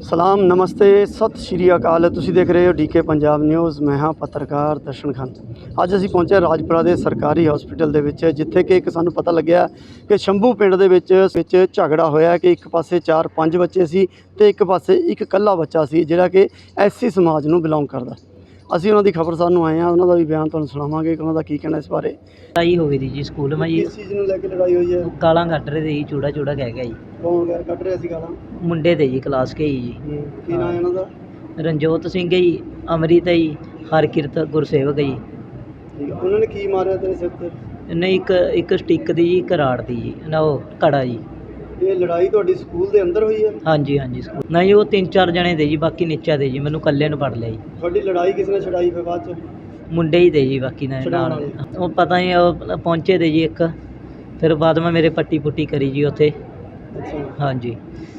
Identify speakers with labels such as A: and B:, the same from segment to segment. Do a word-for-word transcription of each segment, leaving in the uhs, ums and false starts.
A: ਸਲਾਮ ਨਮਸਤੇ ਸਤਿ ਸ਼੍ਰੀ ਅਕਾਲ। ਤੁਸੀਂ ਦੇਖ ਰਹੇ ਹੋ ਡੀ ਕੇ ਪੰਜਾਬ ਨਿਊਜ਼। ਮੈਂ ਹਾਂ ਪੱਤਰਕਾਰ ਦਰਸ਼ਨ ਖਾਨ। ਅੱਜ ਅਸੀਂ ਪਹੁੰਚੇ ਰਾਜਪੁਰਾ ਦੇ ਸਰਕਾਰੀ ਹਸਪੀਟਲ ਦੇ ਵਿੱਚ, ਜਿੱਥੇ ਕਿ ਇੱਕ ਸਾਨੂੰ ਪਤਾ ਲੱਗਿਆ ਕਿ ਸ਼ੰਭੂ ਪਿੰਡ ਦੇ ਵਿੱਚ ਵਿੱਚ ਝਗੜਾ ਹੋਇਆ ਕਿ ਇੱਕ ਪਾਸੇ ਚਾਰ ਪੰਜ ਬੱਚੇ ਸੀ ਤੇ ਇੱਕ ਪਾਸੇ ਇੱਕ ਇਕੱਲਾ ਬੱਚਾ ਸੀ ਜਿਹੜਾ ਕਿ ਐਸਸੀ ਸਮਾਜ ਨੂੰ ਬਿਲੋਂਗ ਕਰਦਾ। ਅਸੀਂ ਉਹਨਾਂ ਦੀ ਖਬਰ ਸਾਨੂੰ ਆਏ ਹਾਂ, ਉਹਨਾਂ ਦਾ ਵੀ ਬਿਆਨ ਤੁਹਾਨੂੰ ਸੁਣਾਵਾਂਗੇ ਕਿ ਉਹਨਾਂ ਦਾ ਕੀ ਕਹਿਣਾ ਇਸ ਬਾਰੇ।
B: ਲੜਾਈ ਹੋ ਗਈ ਸੀ ਜੀ ਸਕੂਲ ਮੈਂ ਜੀ।
A: ਕਿਸ ਚੀਜ਼ ਨੂੰ ਲੈ ਕੇ ਲੜਾਈ ਹੋਈ ਹੈ?
B: ਗਾਲਾਂ ਕੱਢ ਰਹੇ ਸੀ ਜੀ, ਚੂੜਾ ਚੂੜਾ ਕਹਿ ਗਿਆ ਜੀ।
A: ਕੌਣ ਗਿਆ ਕੱਢ ਰਿਹਾ ਸੀ ਗਾਲਾਂ?
B: ਮੁੰਡੇ ਤੇ ਜੀ ਕਲਾਸ ਕੇ ਜੀ।
A: ਕੀ ਨਾਮ ਹੈ ਉਹਨਾਂ ਦਾ?
B: ਰਣਜੋਤ ਸਿੰਘ ਹੈ ਜੀ, ਅਮਰਿਤ ਹੈ ਜੀ, ਹਰਕਿਰਤ ਗੁਰਸੇਵਕ ਹੈ ਜੀ।
A: ਠੀਕ ਹੈ। ਉਹਨਾਂ ਨੇ ਕੀ ਮਾਰਿਆ ਤੇਰੇ ਸਿਰ ਤੇ?
B: ਨਹੀਂ, ਇੱਕ ਇੱਕ ਸਟਿੱਕ ਦੀ ਜੀ, ਇੱਕ ਰਾੜ ਦੀ ਜੀ, ਨਾ ਉਹ ਕੜਾ ਜੀ।
A: ਇਹ ਲੜਾਈ ਤੁਹਾਡੀ ਸਕੂਲ ਦੇ ਅੰਦਰ ਹੋਈ ਹੈ?
B: ਹਾਂਜੀ ਹਾਂਜੀ ਸਕੂਲ ਨਹੀਂ, ਉਹ ਤਿੰਨ ਚਾਰ ਜਣੇ ਦੇ ਜੀ, ਬਾਕੀ ਨੀਚਾ ਦੇ ਜੀ, ਮੈਨੂੰ ਇਕੱਲੇ ਨੂੰ ਫੜ ਲਿਆ ਜੀ।
A: ਤੁਹਾਡੀ ਲੜਾਈ ਕਿਸ ਨੇ ਛਡਾਈ ਫਿਰ ਬਾਅਦ ਚ?
B: ਮੁੰਡੇ ਹੀ ਦੇ ਜੀ, ਬਾਕੀ ਨਾਲ ਨਾਲ ਉਹ ਪਤਾ ਨਹੀਂ, ਉਹ ਪਹੁੰਚੇ ਤੇ ਜੀ ਇੱਕ, ਫਿਰ ਬਾਅਦ ਮੈਂ ਮੇਰੇ ਪੱਟੀ ਪੁੱਟੀ ਕਰੀ ਜੀ ਉੱਥੇ।
A: ਅੱਛਾ।
B: ਹਾਂਜੀ।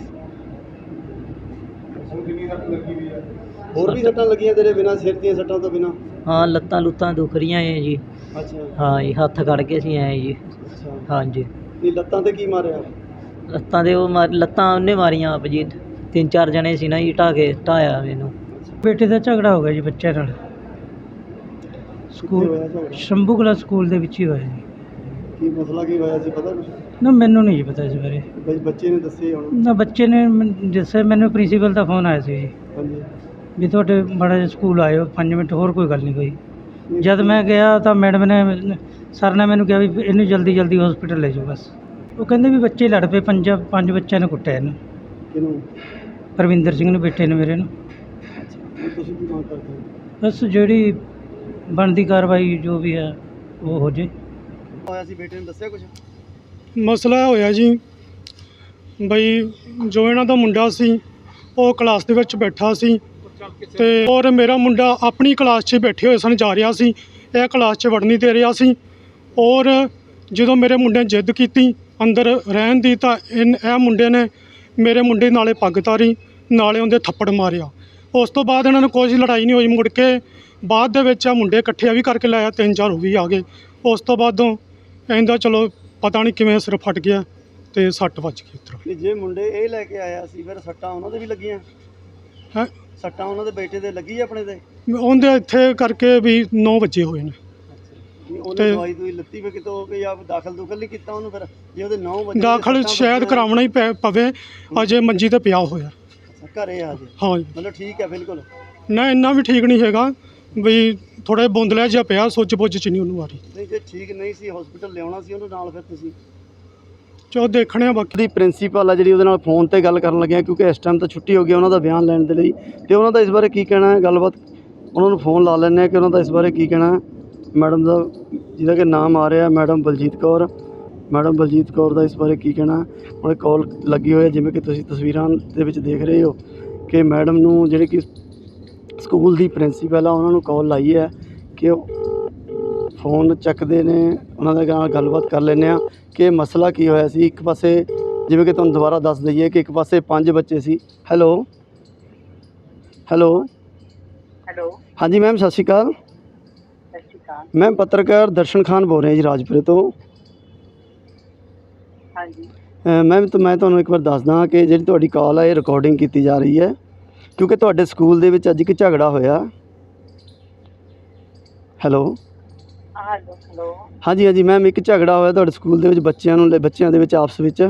A: ਹੋਰ ਵੀ ਸੱਟਾਂ ਲੱਗੀਆਂ ਤੇਰੇ ਬਿਨਾਂ ਸਿਰ ਦੀਆਂ ਸੱਟਾਂ ਤੋਂ ਬਿਨਾਂ?
B: ਹਾਂ, ਲੱਤਾਂ ਲੁੱਤਾਂ ਦੁਖ ਰਹੀਆਂ ਹੈ ਜੀ।
A: ਅੱਛਾ।
B: ਹਾਂ ਜੀ, ਹੱਥ ਕੱਢ ਕੇ ਅਸੀਂ ਆਏ ਜੀ।
A: ਅੱਛਾ।
B: ਹਾਂਜੀ।
A: ਨਹੀਂ, ਲੱਤਾਂ ਤੇ ਕੀ ਮਾਰਿਆ?
B: ਲੱਤਾਂ ਦੇ ਉਹ ਮਾਰ ਲੱਤਾਂ ਉਹਨੇ ਮਾਰੀਆਂ ਆਪ ਜੀ। ਤਿੰਨ ਚਾਰ ਜਣੇ ਸੀ ਨਾ ਜੀ, ਢਾਹ ਕੇ ਢਾਇਆ ਮੈਨੂੰ। ਬੇਟੇ ਦਾ ਝਗੜਾ ਹੋ ਗਿਆ ਜੀ ਬੱਚਿਆਂ ਨਾਲ ਸਕੂਲ, ਸ਼ੰਭੂ ਕਲਾ ਸਕੂਲ ਦੇ ਵਿੱਚ ਹੀ ਹੋਇਆ ਜੀ।
A: ਕੀ ਮਸਲਾ ਕੀ ਹੋਇਆ ਸੀ ਪਤਾ ਕੁਛ?
B: ਨਾ ਮੈਨੂੰ ਨਹੀਂ ਜੀ ਪਤਾ ਇਸ ਬਾਰੇ।
A: ਬਈ ਬੱਚੇ ਨੇ ਦੱਸੇ ਹੁਣ?
B: ਨਾ ਬੱਚੇ ਨੇ ਮੈਨ- ਦੱਸਿਆ ਮੈਨੂੰ, ਪ੍ਰਿੰਸੀਪਲ ਦਾ ਫੋਨ ਆਇਆ ਸੀ ਜੀ
A: ਹਾਂਜੀ।
B: ਵੀ ਤੁਹਾਡੇ ਮਾੜਾ ਜਿਹਾ ਸਕੂਲ ਆਇਓ ਪੰਜ ਮਿੰਟ, ਹੋਰ ਕੋਈ ਗੱਲ ਨਹੀਂ ਕੋਈ। ਜਦ ਮੈਂ ਗਿਆ ਤਾਂ ਮੈਡਮ ਨੇ, ਸਰ ਨੇ ਮੈਨੂੰ ਕਿਹਾ ਵੀ ਇਹਨੂੰ ਜਲਦੀ ਜਲਦੀ ਹਸਪੀਟਲ ਲੈ ਜਾਓ ਬਸ। ਉਹ ਕਹਿੰਦੇ ਵੀ ਬੱਚੇ ਲੜ ਪਏ, ਪੰਜ ਪੰਜ ਬੱਚਿਆਂ ਨੇ ਕੁੱਟਿਆ ਇਹਨੂੰ।
A: ਕਿਹਨੂੰ?
B: ਪਰਵਿੰਦਰ ਸਿੰਘ ਨੂੰ, ਬੇਟੇ ਨੇ ਮੇਰੇ ਨੂੰ।
A: ਹੁਣ ਤੁਸੀਂ ਕੀ ਮੰਗ ਕਰਦੇ ਹੋ?
B: ਬਸ ਜਿਹੜੀ ਬਣਦੀ ਕਾਰਵਾਈ ਜੋ ਵੀ ਹੈ ਉਹ ਹੋ ਜੇ।
A: ਹੋਇਆ ਸੀ ਬੇਟੇ ਨੇ ਦੱਸਿਆ ਕੁਛ?
C: ਮਸਲਾ ਹੋਇਆ ਜੀ ਬਈ, ਜੋ ਇਹਨਾਂ ਦਾ ਮੁੰਡਾ ਸੀ ਉਹ ਕਲਾਸ ਦੇ ਵਿੱਚ ਬੈਠਾ ਸੀ ਤੇ ਔਰ ਮੇਰਾ ਮੁੰਡਾ ਆਪਣੀ ਕਲਾਸ 'ਚ ਬੈਠੇ ਹੋਏ ਸਨ, ਜਾ ਰਿਹਾ ਸੀ, ਇਹ ਕਲਾਸ 'ਚ ਵੜਨ ਨਹੀਂ ਦੇ ਰਿਹਾ ਸੀ। ਔਰ ਜਦੋਂ ਮੇਰੇ ਮੁੰਡੇ ਨੇ ਜਿੱਦ ਕੀਤੀ ਅੰਦਰ ਰਹਿਣ ਦੀ, ਤਾਂ ਇਨ ਇਹ ਮੁੰਡੇ ਨੇ ਮੇਰੇ ਮੁੰਡੇ ਨਾਲੇ ਪੱਗ ਤਾਰੀ, ਨਾਲੇ ਉਹਦੇ ਥੱਪੜ ਮਾਰਿਆ। ਉਸ ਤੋਂ ਬਾਅਦ ਇਹਨਾਂ ਨੂੰ ਕੋਈ ਲੜਾਈ ਨਹੀਂ ਹੋਈ। ਮੁੜ ਕੇ ਬਾਅਦ ਦੇ ਵਿੱਚ ਆ ਮੁੰਡੇ ਇਕੱਠੇ ਵੀ ਕਰਕੇ ਲਾਇਆ, ਤਿੰਨ ਚਾਰ ਉਹ ਵੀ ਆ ਗਏ। ਉਸ ਤੋਂ ਬਾਅਦੋਂ ਕਹਿੰਦਾ ਚਲੋ ਪਤਾ ਨਹੀਂ ਕਿਵੇਂ ਸਿਰ ਫਟ ਗਿਆ ਤੇ ਸੱਟ ਵੱਜ ਗਈ ਉੱਧਰੋਂ।
A: ਕਿ ਜੇ ਮੁੰਡੇ ਇਹ ਲੈ ਕੇ ਆਇਆ ਸੀ ਫਿਰ ਸੱਟਾਂ ਉਹਨਾਂ ਦੇ ਵੀ ਲੱਗੀਆਂ?
C: ਹੈਂ?
A: ਸੱਟਾਂ ਉਹਨਾਂ ਦੇ ਬੇਟੇ ਦੇ ਲੱਗੀ ਆਪਣੇ ਤੇ?
C: ਉਹਦੇ ਇੱਥੇ ਕਰਕੇ ਵੀ ਨੌ ਵਜੇ ਹੋਏ ਨੇ।
A: ਨਹੀਂ, ਉਹਨੇ
C: ਤੇ
A: ਦਵਾਈ ਦੂਈ ਲੱਤੀ ਫਿਰ ਕਿਤੋਂ ਕਿ ਜਾਂ ਦਾਖਲ ਦੁਖਲ ਨਹੀਂ ਕੀਤਾ ਉਹਨੂੰ? ਫਿਰ ਜੇ ਉਹਦੇ ਨੌ ਵਜੇ
C: ਦਾਖਲ ਸ਼ਾਇਦ ਕਰਾਉਣਾ ਹੀ ਪੈ ਪਵੇ, ਅਜੇ ਮੰਜੀ ਤੇ ਪਿਆ ਹੋਇਆ।
A: ਘਰੇ ਆ ਜੇ?
C: ਹਾਂ ਜੀ।
A: ਮਤਲਬ ਠੀਕ ਹੈ ਬਿਲਕੁਲ?
C: ਨਾ ਇੰਨਾ ਵੀ ਠੀਕ ਨਹੀਂ ਹੈਗਾ, ਵੀ ਥੋੜ੍ਹਾ ਬੁੰਦਲਿਆ ਜਿਹਾ ਪਿਆ, ਸੁੱਚ ਬੁੱਝ 'ਚ ਨਹੀਂ ਉਹਨੂੰ ਆ ਰਹੀ।
A: ਨਹੀਂ, ਜੇ ਠੀਕ ਨਹੀਂ ਸੀ ਹਸਪੀਟਲ ਲਿਆਉਣਾ ਸੀ ਉਹਨੂੰ ਨਾਲ ਫਿਰ ਤੁਸੀਂ?
C: ਚਲੋ ਦੇਖਣੇ ਆ ਬਾਕੀ।
A: ਦੀ ਪ੍ਰਿੰਸੀਪਲ ਆ ਜਿਹੜੀ, ਉਹਦੇ ਨਾਲ ਫੋਨ ਤੇ ਗੱਲ ਕਰਨ ਲੱਗਿਆ ਕਿਉਂਕਿ ਇਸ ਟਾਈਮ ਤਾਂ ਛੁੱਟੀ ਹੋ ਗਈ ਉਹਨਾਂ ਦਾ ਬਿਆਨ ਲੈਣ ਦੇ ਲਈ, ਤੇ ਉਹਨਾਂ ਦਾ ਇਸ ਬਾਰੇ ਕੀ ਕਹਿਣਾ ਹੈ, ਗੱਲਬਾਤ ਉਹਨਾਂ ਨੂੰ ਫੋਨ ਲਾ ਲੈਂਦੇ ਹਾਂ ਕਿ ਉਹਨਾਂ ਦਾ ਇਸ ਬਾਰੇ ਕੀ ਕਹਿਣਾ ਹੈ। ਮੈਡਮ ਦਾ ਜਿਹਦਾ ਕਿ ਨਾਮ ਆ ਰਿਹਾ ਮੈਡਮ ਬਲਜੀਤ ਕੌਰ, ਮੈਡਮ ਬਲਜੀਤ ਕੌਰ ਦਾ ਇਸ ਬਾਰੇ ਕੀ ਕਹਿਣਾ? ਉਹਨੇ ਕਾਲ ਲੱਗੀ ਹੋਈ ਹੈ, ਜਿਵੇਂ ਕਿ ਤੁਸੀਂ ਤਸਵੀਰਾਂ ਦੇ ਵਿੱਚ ਦੇਖ ਰਹੇ ਹੋ ਕਿ ਮੈਡਮ ਨੂੰ ਜਿਹੜੇ ਕਿ ਸਕੂਲ ਦੀ ਪ੍ਰਿੰਸੀਪਲ ਆ ਉਹਨਾਂ ਨੂੰ ਕਾਲ ਲਾਈ ਹੈ ਕਿ ਉਹ ਫੋਨ ਚੱਕਦੇ ਨੇ, ਉਹਨਾਂ ਦੇ ਨਾਲ ਗੱਲਬਾਤ ਕਰ ਲੈਂਦੇ ਹਾਂ ਕਿ ਮਸਲਾ ਕੀ ਹੋਇਆ ਸੀ। ਇੱਕ ਪਾਸੇ ਜਿਵੇਂ ਕਿ ਤੁਹਾਨੂੰ ਦੁਬਾਰਾ ਦੱਸ ਦਈਏ ਕਿ ਇੱਕ ਪਾਸੇ ਪੰਜ ਬੱਚੇ ਸੀ। ਹੈਲੋ ਹੈਲੋ
D: ਹੈਲੋ
A: ਹਾਂਜੀ ਮੈਮ, ਸਤਿ ਸ਼੍ਰੀ ਅਕਾਲ।
D: ਸਤਿ ਸ਼੍ਰੀ ਅਕਾਲ।
A: ਮੈਮ ਪੱਤਰਕਾਰ ਦਰਸ਼ਨ ਖਾਨ ਬੋਲ ਰਿਹਾ ਜੀ ਰਾਜਪੁਰੇ ਤੋਂ।
D: ਹਾਂਜੀ
A: ਮੈਮ ਤਾਂ ਮੈਂ ਤੁਹਾਨੂੰ ਇੱਕ ਵਾਰ ਦੱਸਦਾ ਕਿ ਜਿਹੜੀ ਤੁਹਾਡੀ ਕਾਲ ਹੈ ਇਹ ਰਿਕਾਰਡਿੰਗ ਕੀਤੀ ਜਾ ਰਹੀ ਹੈ ਕਿਉਂਕਿ ਤੁਹਾਡੇ ਸਕੂਲ ਦੇ ਵਿੱਚ ਅੱਜ ਇੱਕ ਝਗੜਾ ਹੋਇਆ। ਹੈਲੋ
D: ਹੈਲੋ ਹੈਲੋ
A: ਹਾਂਜੀ ਹਾਂਜੀ ਮੈਮ, ਇੱਕ ਝਗੜਾ ਹੋਇਆ ਤੁਹਾਡੇ ਸਕੂਲ ਦੇ ਵਿੱਚ ਬੱਚਿਆਂ ਨੂੰ ਬੱਚਿਆਂ ਦੇ ਵਿੱਚ ਆਪਸ ਵਿੱਚ,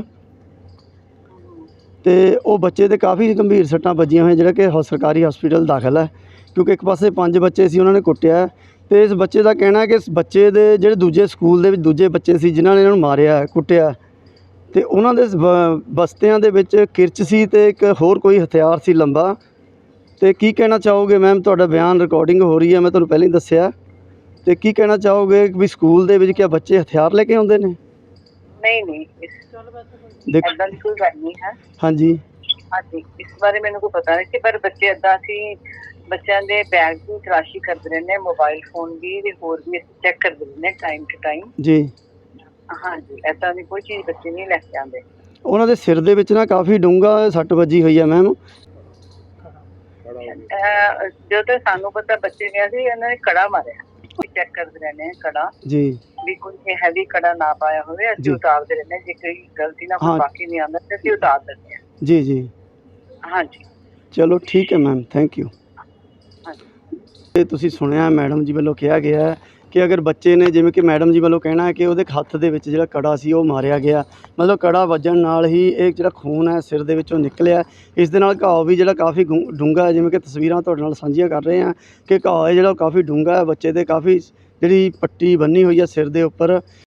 A: ਅਤੇ ਉਹ ਬੱਚੇ 'ਤੇ ਕਾਫੀ ਗੰਭੀਰ ਸੱਟਾਂ ਵੱਜੀਆਂ ਹੋਈਆਂ, ਜਿਹੜਾ ਕਿ ਸਰਕਾਰੀ ਹਸਪੀਟਲ ਦਾਖਲ ਹੈ ਕਿਉਂਕਿ ਇੱਕ ਪਾਸੇ ਪੰਜ ਬੱਚੇ ਸੀ ਉਹਨਾਂ ਨੇ ਕੁੱਟਿਆ, ਅਤੇ ਇਸ ਬੱਚੇ ਦਾ ਕਹਿਣਾ ਕਿ ਇਸ ਬੱਚੇ ਦੇ ਜਿਹੜੇ ਦੂਜੇ ਸਕੂਲ ਦੇ ਵਿੱਚ ਦੂਜੇ ਬੱਚੇ ਸੀ ਜਿਨ੍ਹਾਂ ਨੇ ਇਹਨਾਂ ਨੂੰ ਮਾਰਿਆ ਕੁੱਟਿਆ, ਅਤੇ ਉਹਨਾਂ ਦੇ ਬ ਬਸਤਿਆਂ ਦੇ ਵਿੱਚ ਕਿਰਚ ਸੀ ਅਤੇ ਇੱਕ ਹੋਰ ਕੋਈ ਹਥਿਆਰ ਸੀ ਲੰਬਾ। ਅਤੇ ਕੀ ਕਹਿਣਾ ਚਾਹੋਗੇ ਮੈਮ? ਤੁਹਾਡਾ ਬਿਆਨ ਰਿਕਾਰਡਿੰਗ ਹੋ ਰਹੀ ਹੈ, ਮੈਂ ਤੁਹਾਨੂੰ ਪਹਿਲਾਂ ਹੀ ਦੱਸਿਆ, ਅਤੇ ਕੀ ਕਹਿਣਾ ਚਾਹੋਗੇ ਵੀ ਸਕੂਲ ਦੇ ਵਿੱਚ ਕਿਆ ਬੱਚੇ ਹਥਿਆਰ ਲੈ ਕੇ ਆਉਂਦੇ ਨੇ?
D: ਨਹੀਂ ਨਹੀਂ, ਇਸ
A: ਦੇਖ
D: ਇੱਦਾਂ ਦੀ ਕੋਈ ਗੱਲ ਨਹੀਂ ਹੈ।
A: ਹਾਂਜੀ
D: ਹਾਂਜੀ, ਇਸ ਬਾਰੇ ਮੈਨੂੰ ਕੋਈ ਪਤਾ ਨਹੀਂ ਸੀ, ਪਰ ਬੱਚੇ ਇੱਦਾਂ ਅਸੀਂ ਬੱਚਿਆਂ ਦੇ ਬੈਗ ਦੀ ਤਲਾਸ਼ੀ ਕਰਦੇ ਰਹਿੰਦੇ, ਮੋਬਾਈਲ ਫੋਨ ਵੀ ਤੇ ਹੋਰ ਵੀ ਅਸੀਂ ਚੈੱਕ ਕਰਦੇ ਰਹਿੰਦੇ ਟਾਈਮ ਟੂ ਟਾਈਮ
A: ਜੀ।
D: ਹਾਂਜੀ, ਇੱਦਾਂ ਦੀ ਕੋਈ ਚੀਜ਼ ਬੱਚੇ ਨਹੀਂ ਲੈ ਕੇ ਆਉਂਦੇ।
A: ਉਹਨਾਂ ਦੇ ਸਿਰ ਦੇ ਵਿੱਚ ਨਾ ਕਾਫੀ ਡੂੰਘਾ ਸੱਟ ਵੱਜੀ ਹੋਈ ਹੈ ਮੈਮ।
D: ਜਦੋਂ ਸਾਨੂੰ ਪਤਾ ਬੱਚੇ ਗਿਆ ਸੀ ਇਹਨਾਂ ਨੇ ਕੜਾ ਮਾਰਿਆ, ਚੈੱਕ ਕਰਦੇ ਰਹਿੰਦੇ ਕੜਾ
A: ਜੀ
D: ਵੀ ਕੋਈ ਹੈਵੀ ਕੜਾ ਨਾ ਪਾਇਆ ਹੋਵੇ, ਅਸੀਂ ਉਤਾਰਦੇ ਰਹਿੰਦੇ, ਜੇ ਕੋਈ ਗਲਤੀ ਨਾਲ ਕੋਈ ਬਾਕੀ ਨਹੀਂ ਆਉਂਦਾ ਤੇ ਅਸੀਂ ਉਤਾਰ ਦਿੰਦੇ ਹਾਂ।
A: ਜੀ ਜੀ
D: ਹਾਂਜੀ,
A: ਚਲੋ ਠੀਕ ਹੈ ਮੈਮ, ਥੈਂਕ ਯੂ।
D: ਹਾਂਜੀ।
A: ਇਹ ਤੁਸੀਂ ਸੁਣਿਆ ਮੈਡਮ ਜੀ ਵੱਲੋਂ ਕਿਹਾ ਗਿਆ ਹੈ ਕਿ ਅਗਰ ਬੱਚੇ ਨੇ, ਜਿਵੇਂ ਕਿ ਮੈਡਮ ਜੀ ਵੱਲੋਂ ਕਹਿਣਾ ਹੈ ਕਿ ਉਹਦੇ ਹੱਥ ਦੇ ਵਿੱਚ ਜਿਹੜਾ ਕੜਾ ਸੀ ਉਹ ਮਾਰਿਆ ਗਿਆ, ਮਤਲਬ ਕੜਾ ਵੱਜਣ ਨਾਲ ਹੀ ਇਹ ਜਿਹੜਾ ਖੂਨ ਹੈ ਸਿਰ ਦੇ ਵਿੱਚੋਂ ਨਿਕਲਿਆ। ਇਸ ਦੇ ਨਾਲ ਘਾव ਵੀ ਜਿਹੜਾ ਕਾਫੀ ਗੁ ਡੂੰਘਾ ਹੈ, ਜਿਵੇਂ ਕਿ ਤਸਵੀਰਾਂ ਤੁਹਾਡੇ ਨਾਲ ਸਾਂਝੀਆਂ ਕਰ ਰਹੇ ਹਾਂ ਕਿ ਘਾव ਹੈ ਜਿਹੜਾ ਉਹ ਕਾਫੀ ਡੂੰਘਾ ਹੈ, ਬੱਚੇ ਦੇ ਕਾਫੀ ਜਿਹੜੀ ਪੱਟੀ ਬੰਨੀ ਹੋਈ ਹੈ ਸਿਰ ਦੇ ਉੱਪਰ।